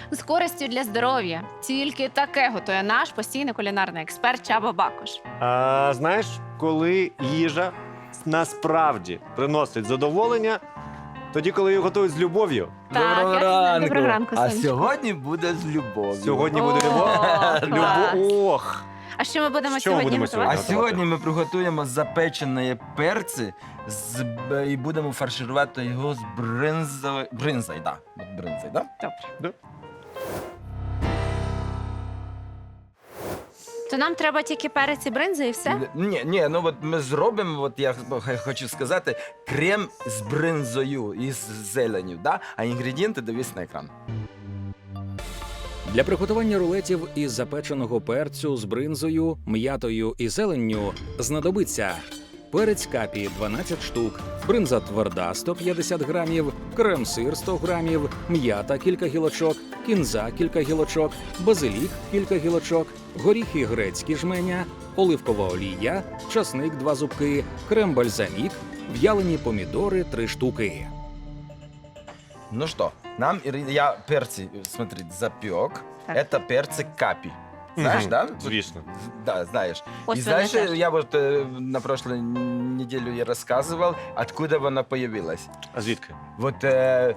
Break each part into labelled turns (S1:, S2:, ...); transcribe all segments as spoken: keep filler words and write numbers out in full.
S1: З користю для здоров'я. Тільки таке готує наш постійний кулінарний експерт Чаба Бакош.
S2: А, знаєш, коли їжа насправді приносить задоволення, тоді, коли її готують з любов'ю.
S1: Так,
S3: Доброго
S1: я знаю.
S3: ранку.
S1: Доброго ранку,
S3: А
S1: сонечко.
S3: сьогодні буде з любов'ю.
S2: Сьогодні буде
S1: О,
S2: любов.
S1: клас.
S2: Любов. Ох.
S1: А що ми будемо
S2: Що ми
S1: сьогодні
S2: будемо
S1: готувати?
S3: А
S2: сьогодні?
S3: сьогодні ми приготуємо запечені перці з, б- і будемо фарширувати його з бринзою. Бринзою, да. От бринзою, да?
S1: Добре. То нам треба тільки перець і бринза і все?
S3: Ні, ні, ну от ми зробимо, от я х- хочу сказати, крем з бринзою і з зеленю, да? А інгредієнти дивись на екран.
S4: Для приготування рулетів із запеченого перцю з бринзою, м'ятою і зеленню знадобиться перець капі дванадцять штук, бринза тверда сто п'ятдесят грамів, крем-сир сто грамів, м'ята кілька гілочок, кінза кілька гілочок, базилік кілька гілочок, горіхи грецькі жменя, оливкова олія, часник два зубки, крем-бальзамік, в'ялені помідори три штуки.
S3: Ну что, нам Iri- я перцы, смотри, запек.
S1: Так.
S3: Это перцы капи. Знаешь,
S2: Мгм,
S3: да?
S2: звісно.
S3: Да, знаешь.
S1: Ось
S3: И
S1: вони
S3: знаешь,
S1: теж.
S3: я вот э, на прошлой неделе я рассказывал, откуда она появилась.
S2: А звідки?
S3: Вот э,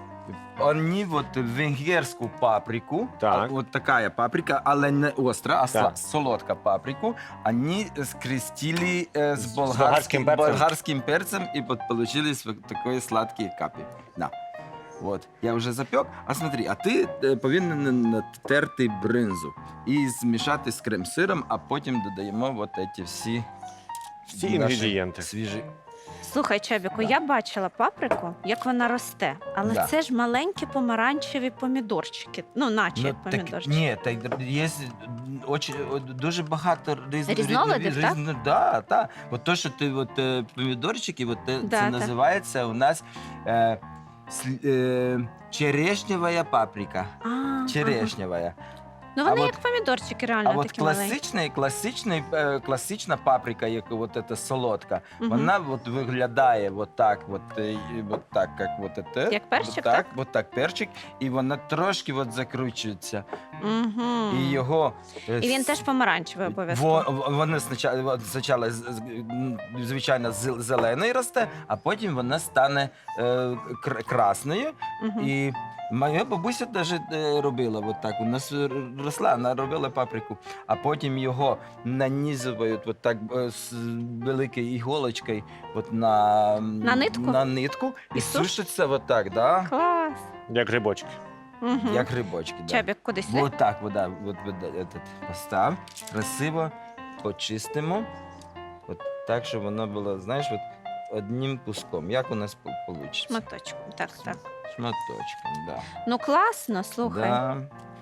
S3: они вот венгерскую паприку,
S2: Так.
S3: а, вот такая паприка, але не остра, а
S2: Так.
S3: сла- солодка паприку, они скрестили э, с
S2: С
S3: болгарским,
S2: болгарским перцем.
S3: болгарским перцем, и вот получились вот такой сладкие капи. Да. Вот, я вже запек. А смотри, а ти е, повинен натерти бринзу і змішати з крем-сиром, а потім додаємо от ці всі,
S2: Всі
S3: наші
S2: інгредієнти.
S3: свіжі.
S1: Слухай, Чабіку, я бачила паприку, як вона росте, але
S3: Да.
S1: це ж маленькі помаранчеві помідорчики. Ну, наче як
S3: так,
S1: помідорчики.
S3: ні, так є очень, дуже багато різних
S1: Різновидів, так?
S3: різних- да, так. От то, що ти от, е, помідорчики, от, е,
S1: Да,
S3: це
S1: так.
S3: називається у нас е, сл- е, черешнева паприка.
S1: А, ага.
S3: Черешнева.
S1: Ну,
S3: А
S1: вони
S3: от-
S1: як помідорчики, реально
S3: А от
S1: такі маленькі.
S3: класичний, класичний, е, класична паприка, як от эта солодка,
S1: Мгм.
S3: вона от виглядає от так, от, е, і от так, як от это.
S1: Як перчик,
S3: от так?
S1: так?
S3: От так перчик, і вона трошки от закручується.
S1: Угу.
S3: І його... е,
S1: І він
S3: с-
S1: теж помаранчевий обов'язково.
S3: Во, в- вони спочатку, от спочатку з- з- м, звичайно, з- зелений росте, а потім вона стане е, кр- красною.
S1: Мгм.
S3: І моя бабуся теж е, робила от так. У нас р- росла, вона робила паприку, а потім його нанізують от так е, з великою іголочкою от на, м,
S1: На нитку?
S3: на нитку і,
S1: І суш-
S3: сушиться от так, да?
S1: Клас.
S2: Як грибочки.
S1: Угу.
S3: Як грибочки. Да.
S1: Чабік, куди сюди?
S3: Вот так, вот, да, вот, вот, этот, постав, красиво почистимо. От так, щоб воно було, знаєш, от одним куском. Як у нас вийде?
S1: Шматочком. Так, так.
S3: Шматочком, да.
S1: Ну, класно, слухай.
S3: Да.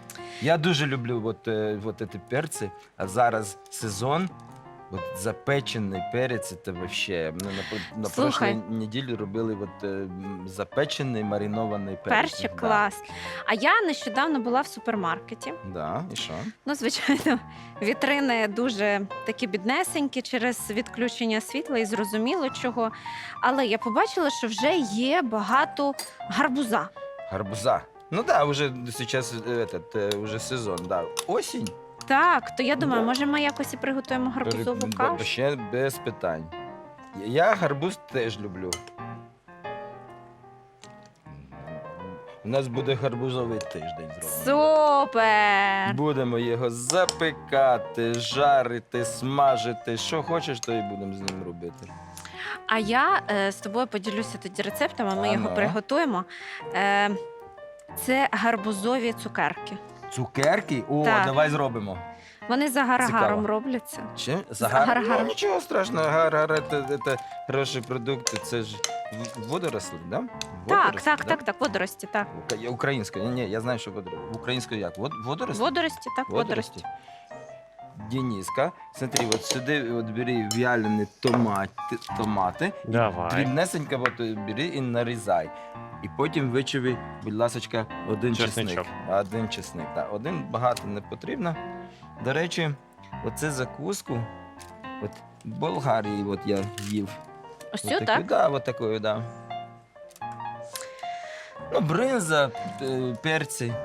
S3: Я дуже люблю от, е, от ці перці, а зараз сезон. От запечений перець, це вообще. Ми на, на
S1: Слухай.
S3: прошлій неділі робили от, е, м, запечений маринований перець.
S1: Перчик
S3: Да.
S1: клас. А я нещодавно була в супермаркеті.
S3: Да, і що?
S1: Ну, звичайно, вітрини дуже такі біднесенькі через відключення світла і зрозуміло чого. Але я побачила, що вже є багато гарбуза.
S3: Гарбуза. Ну да, уже сейчас этот, э, уже сезон, да. Осінь.
S1: Так, то я думаю,
S3: Да.
S1: може ми якось і приготуємо гарбузову
S3: Пере-
S1: кашу?
S3: Ще без питань. Я гарбуз теж люблю. У нас буде гарбузовий тиждень зроблений.
S1: Супер!
S3: Будемо його запекати, жарити, смажити. Що хочеш, то і будемо з ним робити.
S1: А я е, з тобою поділюся тоді рецептами, ми
S3: А
S1: його
S3: ну.
S1: приготуємо. Е, це гарбузові цукерки.
S3: Цукерки? О,
S1: Так.
S3: давай зробимо.
S1: Вони за гарагаром
S3: Цікаво.
S1: робляться.
S3: Чи?
S1: Загар-
S3: Загар?
S1: гар.
S3: Ну, нічого страшного, гар-гар – це, це хороші продукти, це ж в- водорослі, да?
S1: Так,
S3: Водорослі,
S1: так,
S3: да?
S1: так, так, водорості, так.
S3: Ука- Українською, ні, ні, я знаю, що водорослі. Українською як? Вод, водорослі?
S1: Водорості, так, водорості.
S3: Дениска, смотри, от сюди от бери в'ялені томати, томати,
S2: Давай.
S3: дрібнесенько от бери і нарізай. І потім вичави, будь ласочка, один чесник.
S2: Чесничок.
S3: Один чесник, так. Один багато не потрібно. До речі, оце закуску, от в Болгарії от я їв.
S1: Ось
S3: От
S1: цю,
S3: таку,
S1: так?
S3: Да, от такою, да. Ну, бринза, е, перці,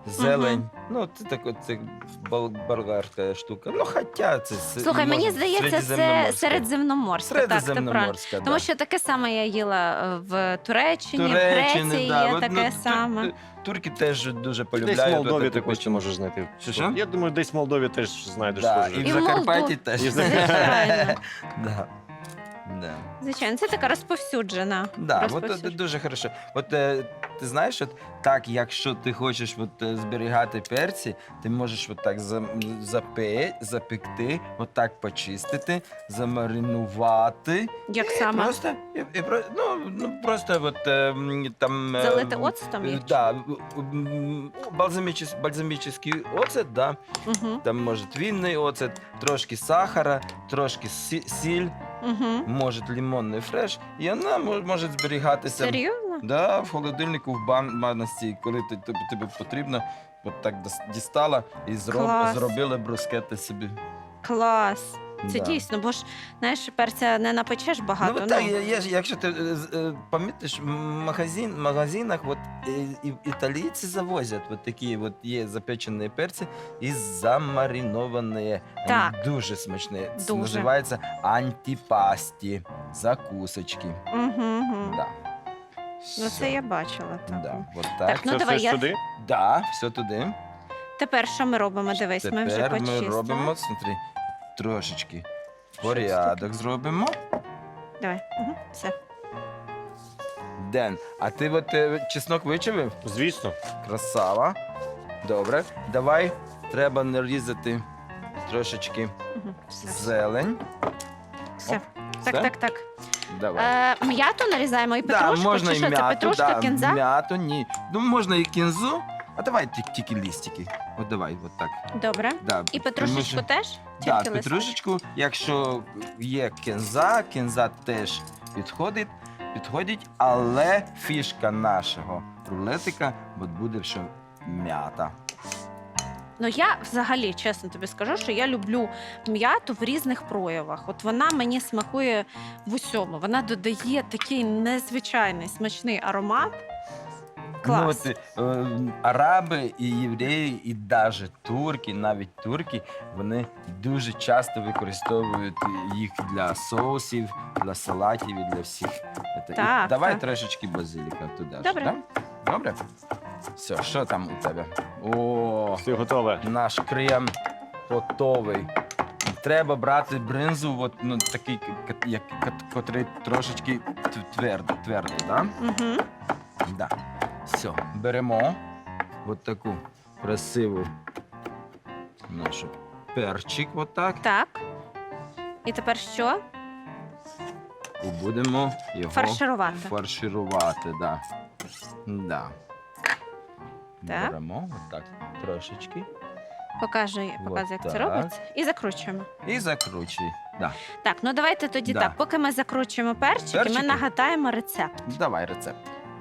S3: зелень. Ну, це так от це бол- болгарська штука. Ну, хоча це с-
S1: Слухай, мені
S3: можна
S1: здається, це
S3: середземноморська.
S1: середземноморська. Так, ти правильно.
S3: Середземноморська,
S1: Тому
S3: да.
S1: що таке саме я їла е, в Туреччині, в
S3: Туреччини,
S1: Греції
S3: да.
S1: є
S3: От,
S1: таке
S3: ну, ту-
S1: саме.
S3: ту- Турки теж дуже
S2: Десь
S3: полюбляють.
S2: в Молдові
S3: от
S2: ти
S3: таку
S2: хочеш
S3: печінку.
S2: можеш знайти.
S3: Що, що?
S2: Я думаю, десь в Молдові теж знайдеш
S3: Да,
S2: схоже.
S3: і в
S1: І в
S3: Закарпатті
S1: Молдові.
S3: теж.
S2: І в
S1: Звичайно.
S3: Да. Да.
S1: Звичайно, це така розповсюджена.
S3: Да, от,
S1: розповсюджена.
S3: от, дуже хорошо. От е, ти знаєш, от так, якщо ти хочеш от, е, зберігати перці, ти можеш от так за, запе, запекти, от так почистити, замаринувати.
S1: Як
S3: І
S1: саме?
S3: Просто, і, і, про- ну, ну, просто от, е, м, там... е,
S1: Залити оцтом
S3: е,
S1: їх?
S3: Да, м, бальзамічес- бальзамічний оцет, да.
S1: Угу.
S3: Там може вінний оцет, трошки сахара, трошки сі- сіль,
S1: Угу.
S3: може лимонний фреш, і вона мо- може зберігатися.
S1: Серйозно?
S3: Да, в холодильнику, в бан- баночці, коли ти, тобі, тобі потрібно, от так дос- дістала і зроб,
S1: Клас.
S3: зробила брускети собі.
S1: Клас. Це
S3: Да.
S1: дійсно, бо ж знаєш, перця не напечеш багато.
S3: Ну, так, є, є, ж- якщо ти е, з- е, помітиш, в магазин, магазинах от, е, і, італійці завозять от такі от є запечені перці і замариновані. Вони
S1: Так.
S3: дуже смачні. Це
S1: Дуже.
S3: називається антипасті, закусочки.
S1: Угу, угу.
S3: Да.
S1: Ну,
S3: Все.
S1: це я бачила. Так.
S3: Да, от так.
S1: Так, ну,
S2: Це
S1: давай
S2: все
S1: я-
S2: сюди?
S3: Да, все туди.
S1: Тепер що ми робимо? Дивись, ми вже
S3: Тепер
S1: почистили.
S3: ми робимо, смотри, трошечки
S1: Що це
S3: порядок
S1: таке?
S3: зробимо.
S1: Давай. Угу. Все.
S3: Ден, а ти от е, чеснок вичавив?
S2: Звісно.
S3: Красава. Добре. Давай, треба нарізати трошечки
S1: Угу. Все.
S3: зелень.
S1: Все.
S3: Оп,
S1: Так,
S3: все?
S1: так, так.
S3: Давай.
S1: Е, м'яту нарізаємо і
S3: Да,
S1: петрушку,
S3: можна
S1: чи
S3: і
S1: що це?
S3: м'яту,
S1: Петрушка,
S3: да,
S1: кінза?
S3: м'яту, ні. Ну, можна і кінзу, а давай ті- тільки лістики. От давай, от так.
S1: Добре.
S3: Да,
S1: І
S3: тому
S1: петрушечку
S3: що-
S1: теж?
S3: Так,
S1: Тільки листочок?
S3: петрушечку, якщо є кінза, кінза теж підходить, підходить, але фішка нашого рулетика от буде що м'ята.
S1: Ну я взагалі, чесно тобі скажу, що я люблю м'яту в різних проявах. От вона мені смакує в усьому. Вона додає такий незвичайний смачний аромат. Клас.
S3: Ну, от, е, араби і євреї, і навіть турки, навіть турки, вони дуже часто використовують їх для соусів, для салатів і для всіх. Це. І
S1: Так,
S3: давай
S1: так.
S3: трошечки базиліка туди. ж,
S1: Добре.
S3: да? Добре? Все, що там у тебе? О,
S2: Все готове.
S3: наш крем готовий. Треба брати бринзу, от, ну, такий, к- як, кот- котрий трошечки т- твердий, твердий, да?
S1: Угу.
S3: Да. Все, беремо от таку красиву нашу перчик, отак,
S1: Так. І тепер що?
S3: і будемо його
S1: Фарширувати.
S3: фарширувати. Да. Да.
S1: Так.
S3: Беремо отак трошечки
S1: Покажи, показуй, як це
S3: так.
S1: робиться. І закручуємо.
S3: і закручуй. Да.
S1: Так, ну давайте тоді
S3: Да.
S1: так. Поки ми закручуємо перчики,
S3: Перчики?
S1: ми нагадаємо рецепт.
S3: Давай рецепт.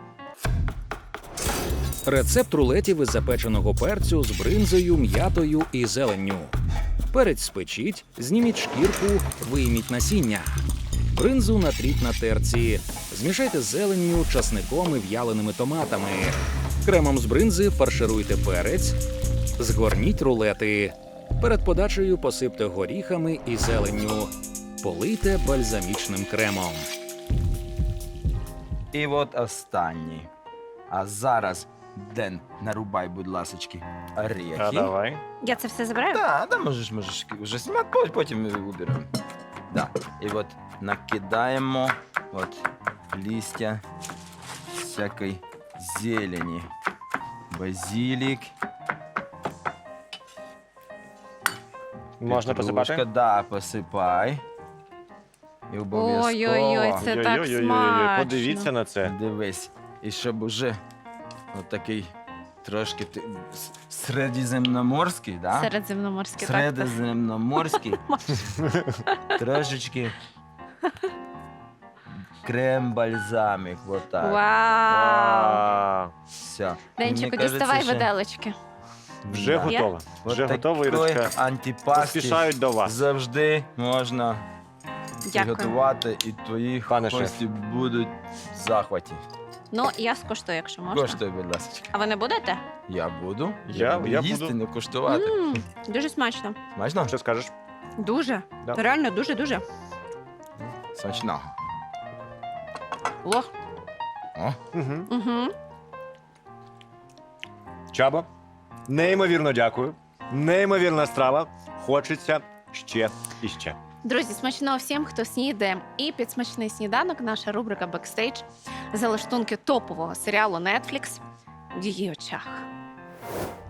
S4: Рецепт рулетів із запеченого перцю з бринзою, м'ятою і зеленню. Перець спечіть, зніміть шкірку, вийміть насіння. Бринзу натріть на терці. Змішайте з зеленню, часником і в'яленими томатами. Кремом з бринзи фаршируйте перець. Згорніть рулети. Перед подачею посипте горіхами і зеленню. Полийте бальзамічним кремом.
S3: І от останній. А зараз, Ден, нарубай, будь ласочки, орехи.
S2: А давай.
S1: Я це все забираю?
S3: Да, да, можеш, можеш вже знімати, потім- потім ми уберемо. Да. І от накидаємо от листя всякої зелені. Базилік.
S2: Можна
S3: петрушка,
S2: посипати?
S3: Да, посипай. І обов'язково.
S1: Ой-ой-ой, це так
S2: Ой-ой-ой-ой-ой,
S1: смачно.
S2: подивіться на це.
S3: Дивись. І щоб уже отакий трошки ти- с- середземноморський, да?
S1: Середземноморське, так.
S3: Середземноморський. Трошечки крем-бальзамик. Вот так.
S1: Вау!
S2: А,
S3: Все.
S1: Денчику, діставай виделочки.
S2: Вже
S1: Є?
S2: готово. Вже готово, Ірочка.
S3: Антипасті
S2: Поспішають до вас.
S3: завжди можна
S1: Дякую.
S3: приготувати, і твої
S2: Пане
S3: гості будуть в захваті.
S1: Ну, я скуштую, якщо можна.
S3: Коштуй, будь ласка.
S1: А ви не будете?
S3: Я буду.
S2: Я-
S3: буду
S2: я
S3: їсти,
S2: буду.
S3: не куштувати.
S1: М, дуже смачно.
S3: Смачно?
S2: Що скажеш?
S1: Дуже.
S2: Да.
S1: Реально, дуже-дуже.
S3: Смачно.
S1: Ох.
S3: О,
S2: Угу.
S1: Угу.
S2: Чаба, неймовірно дякую. Неймовірна страва. Хочеться ще і ще.
S1: Друзі, смачного всім, хто снідає. І під смачний сніданок наша рубрика «Бекстейдж» залаштунки топового серіалу Netflix в її очах.